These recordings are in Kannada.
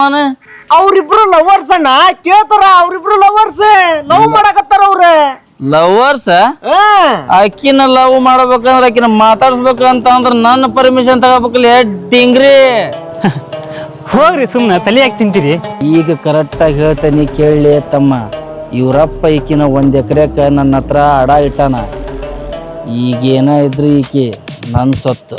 ನಾನು ಅವ್ರಿಬ್ರು ಲವರ್ಸ್ ಅಣ್ಣ ಕೇಳ್ತಾರ ಅವ್ರಿಬ್ರು ಲವರ್ಸ್ ಲವ್ ಮಾಡಕತ್ತಾರ ಅವ್ರ ಲವರ್ಸ್ ಆಕಿನ ಲವ್ ಮಾಡ್ಬೇಕಂದ್ರ ಆಕಿನ ಮಾತಾಡ್ಸ್ಬೇಕಂತ ಅಂದ್ರ ನನ್ನ ಪರ್ಮಿಷನ್ ತಗೋಬೇಕಲ್ಲ ಡಿಂಗ್ರಿ ಹೋಗ್ರಿ ಸುಮ್ನ ತಲೆ ಯಾಕೆ ತಿಂತೀರಿ ಈಗ ಕರೆಕ್ಟ್ ಆಗಿ ಹೇಳ್ತೇನೆ ಕೇಳಲಿ ತಮ್ಮ ಇವ್ರಪ್ಪ ಈಕಿನ 1 ಎಕರೆಕ ನನ್ನ ಹತ್ರ ಅಡ ಇಟ್ಟಾನ ಈಗೇನ ಇದ್ರಿ ಈಕಿ ನನ್ನ ಸೊತ್ತು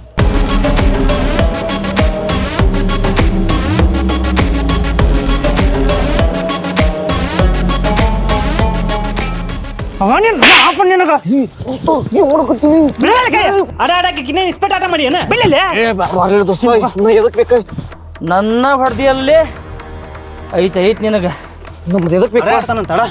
ನನ್ನ ಹೊಡೆದಿಯಲ್ಲಿ ಐತ್ ನಿನಗ ನಮ್ದು ಎದಕ್ ಬೇಕು ಮಾಡ್ತಾನಂತಳ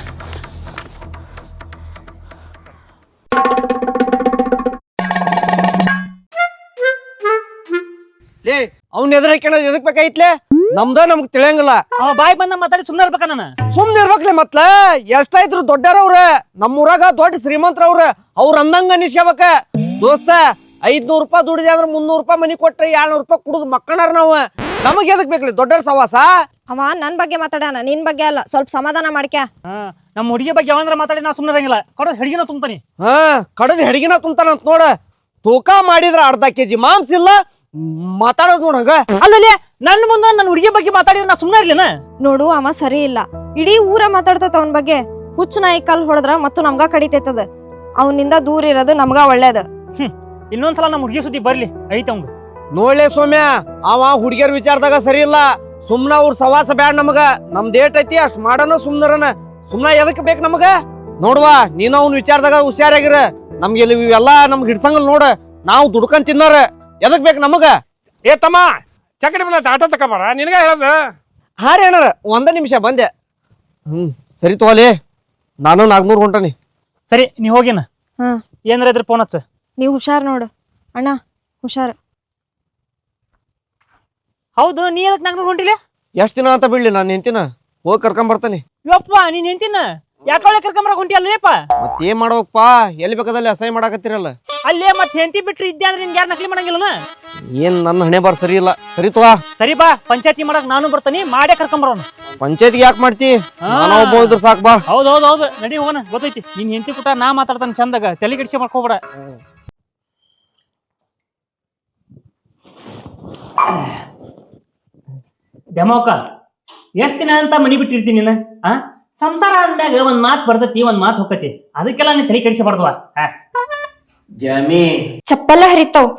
ಲೇ ಅವ್ನ ಎದುರಕ್ಕೆ ಎದಕ್ ಬೇಕಾಯ್ತ್ಲೆ ನಮ್ಗ್ ತಿಳಿಯಂಗಿಲ್ಲ ಅವ ಬಾಯ್ ಬಂದ ಮಾತಾಡಿ ಸುಮ್ಮನೆ ಇರ್ಬೇಕ ನಾನು ಸುಮ್ನೆ ಇರ್ಬೇಕ್ಲೆ ಮತ್ಲ ಎಷ್ಟಾಯ್ತ್ರು ದೊಡ್ಡರವ್ರ ನಮ್ಮೂರಾಗ ದೊಡ್ಡ ಶ್ರೀಮಂತರವ್ರ ಅವ್ರ ಅಂದಂಗ ಅನಿಸ್ಕೋಬೇಕ ದೋಸ್ತ 500 ರೂಪಾಯಿ ದುಡಿದೆ ಅಂದ್ರೆ 300 ರೂಪಾಯಿ ಮನಿ ಕೊಟ್ರೆ 200 ರೂಪಾಯಿ ಕುಡಿದು ಮಕ್ಕಳಾರ ನಾವು ನಮಗ್ ಎದಕ್ ಬೇಕ್ಲಿ ದೊಡ್ಡರ ಸವಾಸ ಅವ ನನ್ ಬಗ್ಗೆ ಮಾತಾಡೋಣ ನಿನ್ ಬಗ್ಗೆ ಅಲ್ಲ ಸ್ವಲ್ಪ ಸಮಾಧಾನ ಮಾಡ್ಕ್ಯಾ ನಮ್ಮ ಹುಡುಗಿ ಬಗ್ಗೆ ಯಾವಂದ್ರ ಮಾತಾಡಿ ನಾ ಸುಮ್ಮನೆ ಇರಂಗಿಲ್ಲ ಕಡದ ಹೆಡ್ಗಿನ ತುಂಬ್ತಾನಿ ಕಡದ್ ಹೆಡ್ಗಿನ ತುಂಬ್ತಾನಂತ ನೋಡ ತೂಕ ಮಾಡಿದ್ರ ಅರ್ಧ ಕೆಜಿ ಮಾಂಸ ಇಲ್ಲ ಮಾತಾಡೋದ್ ನೋಡಂಗ ಅಲ್ಲಲ್ಲಿ ನನ್ನ ಮುಂದೆ ನನ್ನ ಹುಡುಗಿ ಬಗ್ಗೆ ಮಾತಾಡಿದ್ರೆ ನಾ ಸುಮ್ಮನೆ ಇರ್ಲಿನ ನೋಡು ಅವ ಸರಿ ಇಲ್ಲ ಇಡೀ ಊರ ಮಾತಾಡ್ತತ ಅವನ್ ಬಗ್ಗೆ ಹುಚ್ಚು ನಾಯಿ ಕಲ್ ಹೊಡೆದ್ರ ಮತ್ತು ನಮ್ಗ ಕಡಿತೈತದ ಅವನಿಂದ ದೂರ ಇರೋದು ನಮ್ಗ ಒಳ್ಳೇದ ಇನ್ನೊಂದ್ಸಲ ನಮ್ಮ ಹುಡುಗಿ ಸುದ್ದಿ ಬರ್ಲಿ ಐತೆ ಅವಂಗ ನೋಡ್ಲೆ ಸೌಮ್ಯ ಅವ ಹುಡುಗಿಯರ್ ವಿಚಾರದಾಗ ಸರಿ ಇಲ್ಲ ಸುಮ್ನ ಅವ್ರ ಸವಾಸ ಬ್ಯಾಡ ನಮಗ ನಮ್ದ್ ಏಟ್ ಐತಿ ಅಷ್ಟ್ ಮಾಡನ ಸುಮ್ನರನ ಸುಮ್ನ ಎದಕ್ ಬೇಕ್ ನಮಗ ನೋಡ್ವಾ ನೀನು ಅವ್ನ ವಿಚಾರದಾಗ ಹುಷಾರಾಗಿರ ನಮ್ಗೆ ಇವೆಲ್ಲಾ ನಮ್ಗೆ ಹಿಡ್ಸಂಗಲ್ ನೋಡ ನಾವು ದುಡ್ಕೊಂಡ್ ತಿನ್ನಾರ ಎದಕ್ ಬೇಕ್ ನಮಗ ಏ ತಮ್ಮ ಚಕಡಿ ಬಂದ ಆಟೋ ತಕೊಂಬಾರ ನಿನಗ ಹೇಳದ ಹಾರಿ ಅಣ್ಣಾರ 1 ನಿಮಿಷ ಬಂದೆ ಸರಿ ತಗೋಲಿ ನಾನು 400 ಹೊಂಟನಿ ಸರಿ ನೀ ಹೋಗಿನ ಏನಾರ ಇದ್ರ ಫೋನ್ ಹಚ್ಚ ನೀವ್ ಹುಷಾರ್ ನೋಡು ಅಣ್ಣ ಹುಷಾರ್ ಹೌದು ನೀ ಅದಕ್ಕೆ ನಂಗೆ ಹೊಂಟಿಲ್ಲ ಎಷ್ಟ್ ದಿನ ಅಂತ ಬಿಡ್ಲಿ ನಾನು ನಿಂತಿನ ಹೋಗಿ ಕರ್ಕೊಂಡ್ ಬರ್ತಾನೆ ಯಪ್ಪ ನೀನ್ ನಿಂತಿನ ಯಾಕಳೆ ಕರ್ಕೊಂಬರಕ್ ಹೊಂಟಿ ಅಲ್ಲೇಪ್ಪ ಮತ್ತೇನ್ ಮಾಡ್ಬೇಕಪ್ಪ ಎಲ್ಲಿ ಬೇಕಾದಲ್ಲಿ ಅಸಹ್ಯ ಮಾಡಾಕತ್ತಿರಲ್ಲ ಅಲ್ಲೇ ಮತ್ತೆ ಹೆಂತಿ ಬಿಟ್ರಿ ಇದ್ದೆ ಅಂದ್ರೆ ನಿನ್ ಯಾರು ನಕಲಿ ಮಾಡಂಗಿಲ್ಲ ಏನ್ ನನ್ನ ಹಣೆ ಬಾರ್ ಸರಿ ಇಲ್ಲ ಸರಿ ತಗೋ ಸರಿ ಬಾ ಪಂಚಾಯತಿ ಮಾಡಕ್ ನಾನು ಬರ್ತಾನಿ ಮಾಡೇ ಕರ್ಕೊಂಬರೋನು ಪಂಚಾಯತಿಗೆ ಯಾಕೆ ಮಾಡ್ತಿ ನಾನು ಒಬ್ಬ ಇದ್ರ ಸಾಕ್ ಬಾ ಹೌದು ನಡಿ ಹೋಗೋಣ ಗೊತ್ತೈತಿ ನಿನ್ ಹೆಂತಿ ಕುಟ ನಾ ಮಾತಾಡ್ತಾನೆ ಚಂದಾಗ ತಲೆ ಕೆಡಿಸಿ ಮಾಡ್ಕೋಬೇಡ ಡೆಮೋಕ ಎಷ್ಟ್ ದಿನ ಅಂತ ಮನಿ ಬಿಟ್ಟಿರ್ತೀನಿ ನೀನ ಸಂಸಾರ ಅಂದಾಗ ಒಂದ್ ಮಾತ್ ಬರ್ತೈತಿ ಒಂದ್ ಮಾತ್ ಹೋಗತಿ ಅದಕ್ಕೆಲ್ಲ ನೀನ್ ತಲೆ ಕೆಡಿಸಬಾರ್ದವ ಜಮಿ ಚಪ್ಪಲ್ಲ ಹರಿತಾವ್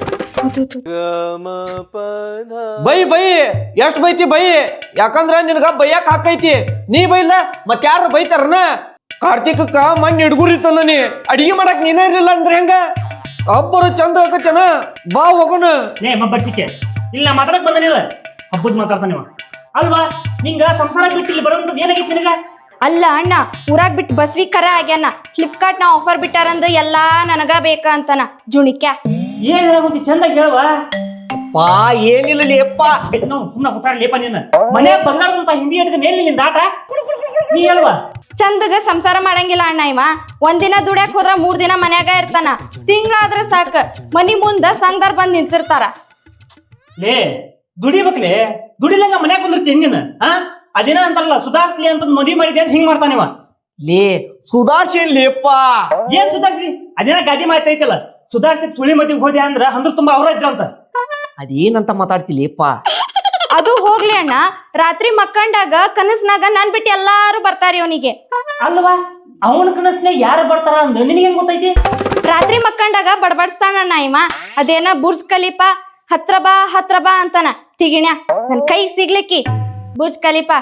ಬೈ ಎಷ್ಟ್ ಬೈತಿ ಬೈ ಯಾಕಂದ್ರ ನಿನಗ ಬೈಯಾಕ ಹಾಕೈತಿ ನೀ ಬೈಲ್ಲ ಮತ್ ಯಾರು ಬೈತಾರನ ಕಾರ್ತಿಕಕ್ಕ ಮಣ್ಣಿ ಹಿಡ್ಗುರಿ ತಂದ ನೀ ಅಡಿಗೆ ಮಾಡಕ್ ನೀನೇ ಇರ್ಲಿಲ್ಲ ಅಂದ್ರೆ ಹೆಂಗ ಹಬ್ಬರು ಚಂದ ಹಾಕತ್ತೇನ ಬಾ ಹೋಗೋಣ ಲೇ ಮಬ್ಬರ್ಚಿಕೆ ಇಲ್ಲ ಮಾತಾಡಕ್ ಬಂದನಿಲ್ಲ ಹಬ್ಬದ್ ಮಾತಾಡ್ತಾನಿವ ಅಲ್ವಾ ನಿಂಗ ಸಂಸಾರ ಬಿಟ್ಟು ಇಲ್ಲಿ ಬರೋಂಥದ್ದು ಏನಾಗಿತ್ತು ನಿನಗ ಅಲ್ಲ ಅಣ್ಣ ಊರಾಗ್ ಬಿಟ್ಟು ಬಸ್ವಿ ಕರ ಆಗ್ಯಾನ ಫ್ಲಿಪ್ಕಾರ್ಟ್ ನ ಆಫರ್ ಬಿಟ್ಟಾರಂದ ಎಲ್ಲಾ ನನಗ ಬೇಕ ಅಂತಾನ ಜುಣಿಕ್ಯ ಏನ್ ಹೇಳಿ ಚಂದಾಗಿ ಹೇಳುವ ಪಾ ಏನಿಲ್ಲ ಲೇಪ್ಪ ಸುಮ್ಮನೆ ಕೂತಾರ ಲೇಪ ನೀನು ಮನೆ ಬಂಗಾರದಂತ ಹಿಂದಿ ಹಿಡಿದ ಮೇಲಿನ ದಾಟ ನೀ ಹೇಳುವ ಚಂದಗ ಸಂಸಾರ ಮಾಡಂಗಿಲ್ಲ ಅಣ್ಣ ಇವ ಒಂದಿನ ದುಡ್ಯಾಕ್ ಹೋದ್ರ 3 ದಿನ ಮನ್ಯಾಗ ಇರ್ತಾನ ತಿಂಗಳಾದ್ರ ಸಾಕ ಮನಿ ಮುಂದ ಸಂಘದವ್ರ ಬಂದ್ ನಿಂತಿರ್ತಾರ ಲೇ ದುಡಿಬೇಕ್ಲೆ ದುಡಿಲಂಗ ಮನ್ಯಾಗ ಕುಂದಿರ್ತಿ ನೀನು ಅದೇನ ಅಂತಾರಲ್ಲ ಸುಧಾರಿಸ್ಲಿ ಅಂತ ಮದುವೆ ಮಾಡಿದೆ ಅಂತ ಹಿಂಗ್ ಮಾಡ್ತಾನಿವ ಲೇ ಸುಧಾರ್ಸಿ ಲೇಪ್ಪ ಏನ್ ಸುಧಾರಿಸಿ ಅದೇನ ಗಾದಿ ಮಾತೈತಲ್ಲ ಸುಧಾರಿಸಿ ತುಳಿ ಮದಿಗೆ ಹೋದೆ ಅಂದ್ರ ಅಂದ್ರ ತುಂಬಾ ಅವ್ರ ಇದ್ರಂತ ಅದೇನಂತ ಮಾತಾಡ್ತಿ ಲೇಪ್ಪ ಅದು ಹೋಗ್ಲಿ ಅಣ್ಣ ರಾತ್ರಿ ಮಕ್ಕಂಡಾಗ ಕನಸ್ನಾಗ ನಾನ್ ಬಿಟ್ಟು ಎಲ್ಲಾರು ಬರ್ತಾರಿ ಅವನಿಗೆ ಅಲ್ವಾ ಅವನ ಕನಸ್ನಾಗ ಯಾರು ಬರ್ತಾರ ಅಂದ ನಿನಗೆ ಹೆಂಗ್ ಗೊತ್ತೈತಿ ರಾತ್ರಿ ಮಕ್ಕಂಡಾಗ ಬಡಬಡಿಸ್ತಾನಣ್ಣ ಇವ ಅದೇನ ಬುರ್ಜ್ ಖಲೀಫಾ ಹತ್ರ ಬಾ ಅಂತಾನ ತಿಗಿಣ್ಯ ನನ್ ಕೈ ಸಿಗ್ಲಿಕ್ಕಿ ಬುರ್ಜ್ ಖಲೀಫಾ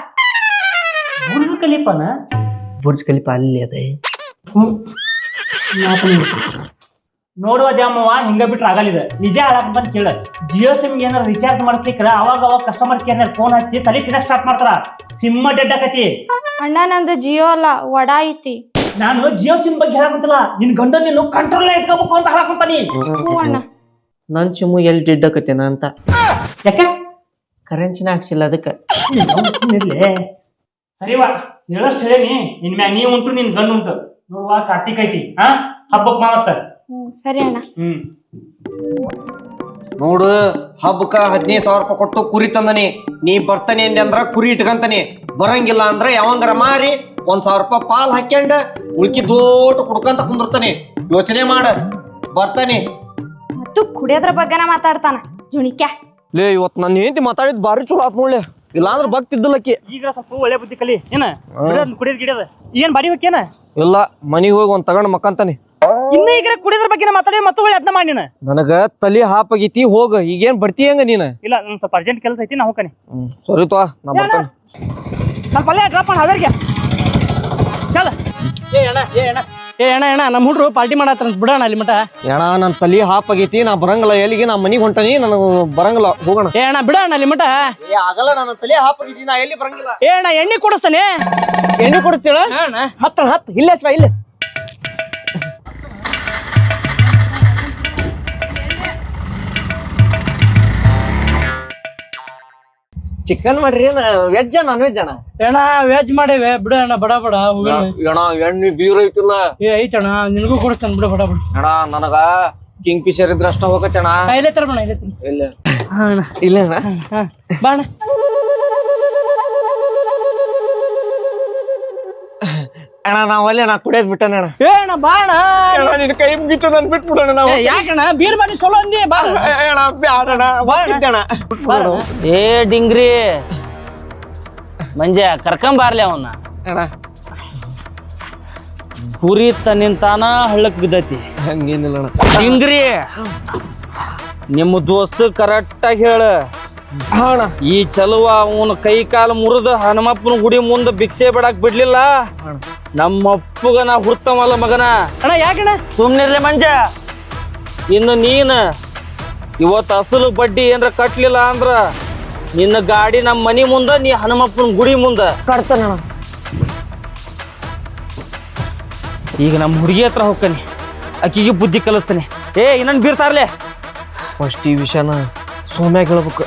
ಬುರ್ಜ್ ಖಲೀಫಾ ಅಲ್ಲಿ ಅದೇ ನೋಡುವ ದ್ಯಾಮವ್ವ ಹಿಂಗ ಬಿಟ್ರೆ ಆಗಲಿದೆ ನಿಜ ಹೇಳಕ್ ಬಂದ್ ಕೇಳ ಜಿಯೋ ಸಿಮ್ ಏನಾರ ರಿಚಾರ್ಜ್ ಮಾಡಿಸ್ಲಿಕ್ರ ಅವಾಗ ಕಸ್ಟಮರ್ ಕೇರ್ ಫೋನ್ ಹಚ್ಚಿ ತಲೆ ತಿನ್ನ ಸ್ಟಾರ್ಟ್ ಮಾಡ್ತಾರ ಸಿಮ್ ಡೆಡ್ ಆಕತಿ ಅಣ್ಣ ನಂದು ಜಿಯೋ ಅಲ್ಲ ವಡಾ ಐತಿ ನಾನು ಜಿಯೋ ಸಿಮ್ ಬಗ್ಗೆ ಹೇಳಕಂತಲ್ಲ ನಿನ್ ಗಂಡ ನೀನು ಕಂಟ್ರೋಲ್ ಇಟ್ಕೋಬೇಕು ಅಂತ ಹೇಳಕಂತಾನಿ ಅಣ್ಣ ನನ್ ಚಿಮ್ಮು ಎಲ್ಲಿ ಡೆಡ್ ಆಕತೇನ ಅಂತ ಯಾಕೆ ಕರೆನ್ಸಿನ ಹಾಕ್ಸಿಲ್ಲ ಅದಕ್ಕೆ ಸರಿವಾ ಹೇಳಷ್ಟು ಹೇಳೇನಿ ನಿನ್ ಮ್ಯಾಗ ನೀ ಉಂಟು ನಿನ್ ಗಂಡು ಉಂಟು ನೋಡುವ ಕಾರ್ತಿಕ್ ಐತಿ ಹಬ್ಬಕ್ ಮಾವತ್ತ ಸರಿ ಅಣ್ಣ ನೋಡು ಹಬ್ಬಕ್ಕ 15,000 ರೂಪಾಯಿ ಕೊಟ್ಟು ಕುರಿ ತಂದನಿ. ನೀ ಬರ್ತಾನೆ ಅಂದೆ ಅಂದ್ರ ಕುರಿ ಇಟ್ಕಂತಾನೆ, ಬರಂಗಿಲ್ಲ ಅಂದ್ರ ಯಾವಂಗಾರ ಮಾರಿ 1,000 ರೂಪಾಯಿ ಪಾಲ್ ಹಾಕ್ಯಂಡ ಉಳ್ಕಿ ದೋಟ ಕುಡ್ಕಂತ ಕುಂದಿರ್ತಾನೆ. ಯೋಚನೆ ಮಾಡ, ಬರ್ತಾನೆ. ಮತ್ತು ಕುಡಿಯೋದ್ರ ಬಗ್ಗೆನ ಮಾತಾಡ್ತಾನ ಜುಣಿಕ್ಯಾ. ಲೇ ಇವತ್ ನನ್ನ ಹೆಂಡತಿ ಮಾತಾಡಿದ್ ಬಾರಿ ಚಲೋ ಆತ್ ನೋಡ್ಲೆ, ಇಲ್ಲಾಂದ್ರ ಭಕ್ತಿದ್ದಲಕ್ಕಿ. ಈಗ ಸ್ವಲ್ಪ ಒಳ್ಳೆ ಬುದ್ಧಿ ಕಲಿ ಏನ ಕುಡಿಯೋದ್ ಗಿಡಿಯೋದ ಏನ್ ಬಾಡಿ ಹೋಗ್ಯನ ಇಲ್ಲ ಮನಿಗ್ ಹೋಗಿ ಒಂದ್ ತಗೊಂಡ್ ಮಕ್ಕಂತಾನೆ. ಇನ್ನ ಈಗ ಕುಡಿಯೋದ್ರ ಬಗ್ಗೆ ಮಾತಾಡಿ ಮತ್ತೆ ಒಳ್ಳೆ ಅದನ್ನ ಮಾಡಿ ನೀನು. ನನಗ ತಲಿ ಹಾಪಾಗೈತಿ, ಹೋಗ ಈಗೇನ್ ಬರ್ತಿ ಹೆಂಗ ನೀನ? ಇಲ್ಲ ನನ್ ಸ್ವಲ್ಪ ಅರ್ಜೆಂಟ್ ಕೆಲಸ ಐತಿ ನಾ ಹೋಗ್ತಾನೆ. ಸರಿ ತೋ, ನಾ ಬರ್ತಾನೆ. ಸ್ವಲ್ಪ ಅಲ್ಲೇ ಡ್ರಾಪ್ ಮಾಡಿ ಹಾವೇರಿಗೆ ಚಲ. ಏ ಅಣ್ಣ ನಮ್ಮ ಹುಡ್ರು ಪಾರ್ಟಿ ಮಾಡತ್ತ ಬಿಡೋಣ ಅಲ್ಲಿ ಮಟ. ಏಣ ನನ್ ತಲಿ ಹಾಪಾಗೈತಿ, ನಾ ಬರಂಗಿಲ್ಲ. ಎಲ್ಲಿಗೆ ನಾ ಮನಿಗ್ ಹೊಂಟಾನಿ, ನನಗ ಬರಂಗಿಲ್ಲ, ಹೋಗೋಣ. ಏ ಅಣ್ಣ ಬಿಡೋಣ ಅಲ್ಲಿ ಮಟ. ಆಗಲ್ಲ, ನನ್ನ ತಲಿ ಹಾಪಾಗೈತಿ, ನಾ ಎಲ್ಲಿ ಬರಂಗಿಲ್ಲ. ಏ ಅಣ್ಣ ಎಣ್ಣೆ ಕೊಡಿಸ್ತಾನೆ. ಎಣ್ಣೆ ಕೊಡಿಸ್ತೀಳ? ಹತ್ತ ಇಲ್ಲ ಶಿವ ಇಲ್ಲ. ಚಿಕನ್ ಮಾಡ್ರಿ, ವೆಜ್ ನಾನ್ ವೆಜ್ ಅಣ್ಣ? ಅಣ್ಣ ವೆಜ್ ಮಾಡೇವೆ ಬಿಡ ಅಣ್ಣ, ಬಡ ಬಡ ಅಣ್ಣ ಎಣ್ಣೆ ಬೀರ್ ಐತಿಲ್ಲ? ಏ ಐತಣ್ಣ, ನಿನಗೂ ಕೊಡಿಸ್ತಾನೆ ಬಿಡ ಬಡ ಬಡ. ಅಣ್ಣ ನನಗ ಕಿಂಗ್ ಫಿಶರ್ ಇದ್ರ ಅಷ್ಟ ಹೋಗತ್ತೆ ಅಣ್ಣ. ಇಲ್ಲೇ ತರ ಬಣ ಇಲ್ಲ ಇಲ್ಲ ಅಣ್ಣ, ಬಾ ಅಣ್ಣ. ಅಣ್ಣ ನಾವ್ ಅಲ್ಲಿ ನಾ ಕುಡಿಯೋದ್ ಬಿಟ್ಟಣ ಅಣ್ಣ. ಏ ಅಣ್ಣ ಬಾ ಅಣ್ಣ, ನಿನ್ ಕೈ ಮುಗಿತು, ನನ್ ಬಿಟ್ಬಿಡೋಣ ನಾವು. ಯಾಕಣ್ಣ ಬೀರ್ ಬಾರಿ ಚಲೋ ಅಂದಿ. ಬಾ ಅಣ್ಣ ಬ್ಯಾಡಣ, ಬರ್ತಿದ್ದಣ್ಣ. ಏ ಡಿಂಗ್ರಿ ಮಂಜ ಕರ್ಕೊಂಬಾರ್ಲಿ ಅವನ್ನ. ಅಣ್ಣ ಕುರಿ ತನ್ನಿಂತಾನ ಹಳ್ಳಕ್ ಬಿದ್ದತಿ. ಹಂಗೇನಿಲ್ಲ ಅಣ್ಣ. ಡಿಂಗ್ರಿ ನಿಮ್ಮ ದೋಸ್ತ ಕರೆಕ್ಟ್ ಆಗಿ ಹೇಳ. ಈ ಚಲುವ ಅವನ ಕೈ ಕಾಲು ಮುರಿದ ಹನುಮಪ್ಪನ ಗುಡಿ ಮುಂದ ಭಿಕ್ಷೆ ಬಿಡಾಕ್ ಬಿಡ್ಲಿಲ್ಲ. ನಮ್ಮಪ್ಪಗ ನಾ ಹುಡ್ತವಲ್ಲ ಮಗನ. ಅಣ್ಣ ಯಾಕಣ್ಣ ಸುಮ್ನಿರ್ಲಿ ಮಂಜ. ಇನ್ನು ನೀನ್ ಇವತ್ತು ಅಸಲು ಬಡ್ಡಿ ಏನ್ರ ಕಟ್ಲಿಲ್ಲ ಅಂದ್ರ ನಿನ್ನ ಗಾಡಿ ನಮ್ಮ ಮನಿ ಮುಂದ, ನೀ ಹನುಮಪ್ಪನ ಗುಡಿ ಮುಂದ ಕಟ್ತಾನ. ಈಗ ನಮ್ಮ ಹುಡುಗಿ ಹತ್ರ ಹೋಗ್ತಾನೆ, ಆಕಿಗೆ ಬುದ್ಧಿ ಕಲಿಸ್ತಾನೆ. ಏ ಇನ್ನೊಂದು ಬೀರ್ತಾರ್ಲೆ. ಫಸ್ಟ್ ಈ ವಿಷಯನ ಸೋಮ್ಯಾಗ ಹೇಳ್ಬೇಕು.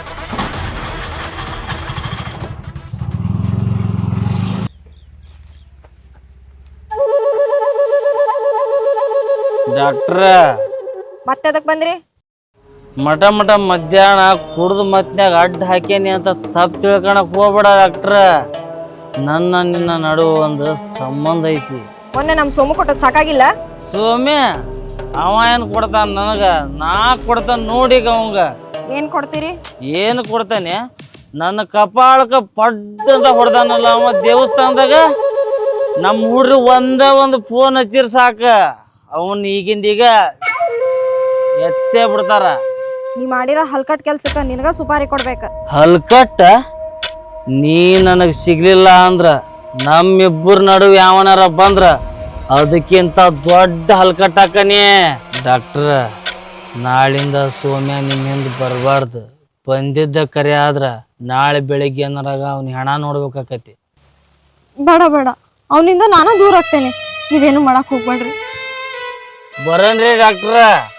ಡಾಕ್ಟ್ರ ಮತ್ತೆ ಅದಕ್ ಬಂದ್ರಿ? ಮಠ ಮಧ್ಯಾಹ್ನ ಕುಡ್ದು ಮತ್ನ್ಯಾಗ ಅಡ್ಡ ಹಾಕ್ಯಾನಿ ಅಂತ ತಪ್ಪು ತಿಳ್ಕೊಳಕ್ ಹೋಗ್ಬೇಡ ಡಾಕ್ಟ್ರ. ನನ್ನ ನಿನ್ನ ನಡುವ ಒಂದು ಸಂಬಂಧ ಐತಿ. ಮೊನ್ನೆ ನಮ್ ಸೋಮು ಕೊಟ್ಟದ್ ಸಾಕಾಗಿಲ್ಲ? ಸೋಮ್ಯ ಅವ ಏನ್ ಕೊಡ್ತಾನ ನನಗ, ನಾ ಕೊಡ್ತಾನ ನೋಡಿಗ ಅವಂಗ. ಏನ್ ಕೊಡ್ತೀರಿ? ಏನು ಕೊಡ್ತಾನೆ? ನನ್ನ ಕಪಾಳಕ್ಕೆ ಪಡ್ಡ ಅಂತ ಹೊಡ್ದಾನಲ್ಲ ಅವ ದೇವಸ್ಥಾನದಾಗ. ನಮ್ಮ ಹುಡ್ರಿ ಒಂದು ಫೋನ್ ಹಚ್ಚಿರ್ ಸಾಕ, ಅವನ್ ಈಗಿಂದೀಗ ಎತ್ತೇ ಬಿಡ್ತಾರ. ನೀ ಮಾಡಿರೋ ಹಲ್ಕಟ್ ಕೆಲ್ಸಕ್ಕ ನಿನಗ ಸುಪಾರಿ ಕೊಡ್ಬೇಕ. ಹಲ್ಕಟ್ಟ? ನೀ ನನಗ್ ಸಿಗ್ಲಿಲ್ಲ ಅಂದ್ರ ನಮ್ಮಿಬ್ಬರ ನಡುವೆ ಯಾವನಾರ ಬಂದ್ರ ಅದಕ್ಕಿಂತ ದೊಡ್ಡ ಹಲ್ಕಟ್ಟಾಕನಿ. ಡಾಕ್ಟ್ರ ನಾಳಿಂದ ಸೋಮ್ಯ ನಿಮ್ಮ ಹಿಂದ್ ಬರಬಾರ್ದು. ಬಂದಿದ್ದ ಕರೆ ಆದ್ರ ನಾಳೆ ಬೆಳಿಗ್ಗೆ ಏನಾರಾಗ ಅವ್ನ ಹೆಣ ನೋಡ್ಬೇಕಾಕತಿ. ಬೇಡ ಅವನಿಂದ ನಾನ ದೂರ ಆಗ್ತೇನೆ, ನೀವೇನು ಮಾಡಕ್ ಹೋಗ್ಬೇಡ್ರಿ. ಬರನ್ರಿ ಡಾಕ್ಟ್ರ.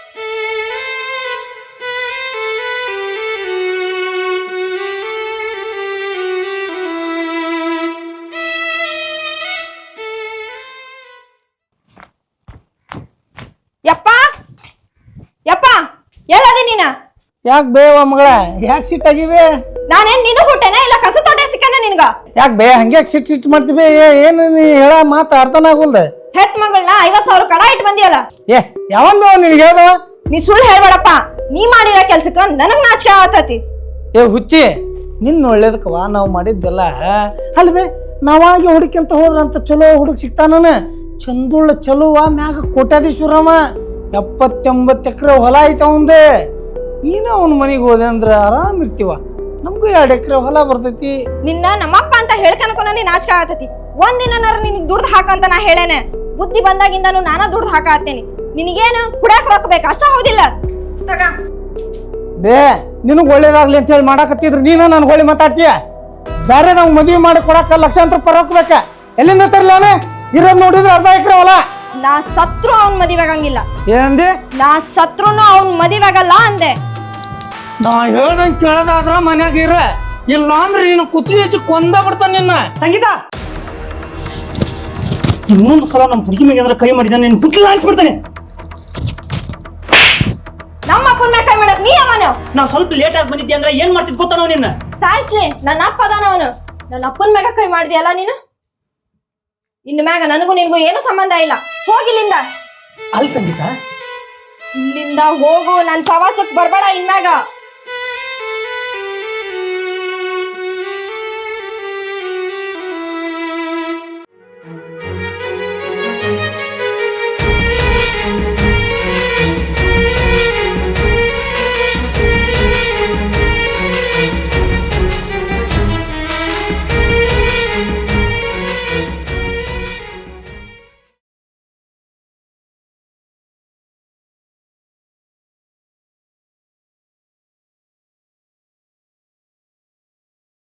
ಯಪ್ಪ ಎಲ್ಲದೆ ನೀನ? ಯಾಕೆ ಬೇವ ಮಗಳ, ಯಾಕೆ ಸಿಟ್ಟಾಗಿವೆ? ನಾನೇನ್ ನೀನು ಹುಟ್ಟೆನ ಇಲ್ಲ ಕಸ ತೋಟ ಸಿಕ್ಕನ ನಿನ್ಗ? ಯಾಕೆ ಬೇ ಹಂಗೆ ಸಿಟ್ಟು ಮಾಡ್ತೀವಿ? ಏನು ನೀ ಹೇಳ ಮಾತು ಅರ್ಥನ ಆಗುಲ್ದ? ಹೆತ್ ಮಗಳನ್ನ 50,000 ಕಡ ಇಟ್ಟು ಬಂದಿಯಲ್ಲ. ಏ ಯಾವನ್ ಬೇವ ನಿನ್ಗೆ ಹೇಳ? ನೀ ಸುಳ್ಳು ಹೇಳ್ಬೇಡಪ್ಪ. ನೀ ಮಾಡಿರೋ ಕೆಲ್ಸಕ್ಕ ನನಗ್ ನಾಚಿಕೆ ಆಗತೈತಿ. ಏ ಹುಚ್ಚಿ, ನಿನ್ನ ಒಳ್ಳೇದಕ್ಕವ ನಾವು ಮಾಡಿದ್ದೆಲ್ಲ ಅಲ್ವೇ. ನಾವಾಗಿ ಹುಡುಕಿಂತ ಹೋದ್ರಂತ ಚಲೋ ಹುಡುಗ ಸಿಗ್ತಾನ. ಚಂದುಳ್ಳ ಚಲೋವ ಮ್ಯಾಗ ಕೋಟ್ಯಾಧೀಶ್ವರವ. 70-80 ಎಕರೆ ಹೊಲ ಐತ ಅವಂದೆ. ನೀನು ಅವನ ಮನೆಗೆ ಹೋದೆ ಅಂದ್ರೆ ಆರಾಮ್ ಇರ್ತೀವ. ನಮಗೂ 2 ಎಕರೆ ಹೊಲ ಬರ್ತೈತಿ. ನಿನ್ನ ನಮ್ಮಪ್ಪ ಅಂತ ಹೇಳ್ಕನಕೂ ನನಗೆ ನಾಚಿಕೆ ಆಗತೈತಿ. ಒಂದಿನಾರ ನಿನಗ್ ದುಡ್ದು ಹಾಕಂತ ನಾ ಹೇಳೇನೆ. ಬುದ್ಧಿ ಬಂದಾಗಿಂದನು ನಾನ ದುಡ್ದು ಹಾಕತ್ತೇನಿ. ನಿನಗೇನು ಕುಡ್ಯಾಕ ರೊಕ್ಕ ಬೇಕು ಅಷ್ಟ? ಹೌದಿಲ್ಲ? ಬೇ ನಿನಗ್ ಒಳ್ಳೇದಾಗ್ಲಿ ಅಂತ ಹೇಳಿ ಮಾಡಾಕತ್ತಿದ್ರು ನೀನ ನನ್ಗೆ ಹೊಳ್ಳಿ ಮಾತಾಡ್ತೀಯ. ಬೇರೆ ನಾವು ಮದುವೆ ಮಾಡಿ ಕೊಡಾಕ ಲಕ್ಷಾಂತರ ರೂಪಾಯಿ ರೊಕ್ಕ ಬೇಕ. ಎಲ್ಲಿಂದ ತರ್ಲಿ ಅವನೇ? ಇರೋದ್ ನೋಡಿದ್ರೆ 1/2 ಎಕರೆ ಹೊಲ. ನಾ ಸತ್ರು ಅವ್ನ್ ಮದುವೆ ಆಗಂಗಿಲ್ಲ. ಏನಂದಿ? ನಾ ಸತ್ರುನು ಅವ್ನ್ ಮದುವೆ ಆಗಲ್ಲ ಅಂದೆ. ನಾ ಹೇಳ್ದಂಗ್ ಕೇಳದಾದ್ರ ಮನ್ಯಾಗ ಇರ, ಇಲ್ಲ ಅಂದ್ರೆ ನೀನು ಕುತ್ತಿಗೆ ಹೆಚ್ಚು ಕೊಂದ ಬಿಡ್ತಾನ ನಿನ್ನ. ಸಂಗೀತ ಇನ್ನೊಂದು ಸಲ ನಮ್ಮ ಹುಡುಗಿ ಮೇಲೆ ಏನಾರ ಕೈ ಮಾಡಿದ ನೀನು ಹುಟ್ಟಿಲ್ಲ ಅನ್ಸ್ಬಿಡ್ತಾನೆ. ನಮ್ಮ ಅಪ್ಪನ ಮೇಲೆ ಕೈ ಮಾಡಕ್ ನೀ ಅವನು ನಾ ಸ್ವಲ್ಪ ಲೇಟ್ ಆಗಿ ಬಂದಿದ್ದೆ ಅಂದ್ರೆ ಏನ್ ಮಾಡ್ತಿದ್ ಗೊತ್ತ ನಾವು ನಿನ್ನ ಸಾಯಿಸ್ಲಿ ನನ್ನ ಅಪ್ಪ ಅದಾನ ಅವನು. ನನ್ನ ಅಪ್ಪನ ಮ್ಯಾಗ ಕೈ ಮಾಡಿದ್ಯಲ್ಲ ನೀನು. ಇನ್ನು ಮ್ಯಾಗ ನನಗೂ ನಿನ್ಗೂ ಏನು ಸಂಬಂಧ ಇಲ್ಲ. ಹೋಗಿಲ್ಲಿಂದ. ಅಲ್ಲಿ ಸಂಗೀತ ಇಲ್ಲಿಂದ ಹೋಗು. ನನ್ ಸವಾಸಕ್ ಬರ್ಬೇಡ ಇನ್ಮ್ಯಾಗ.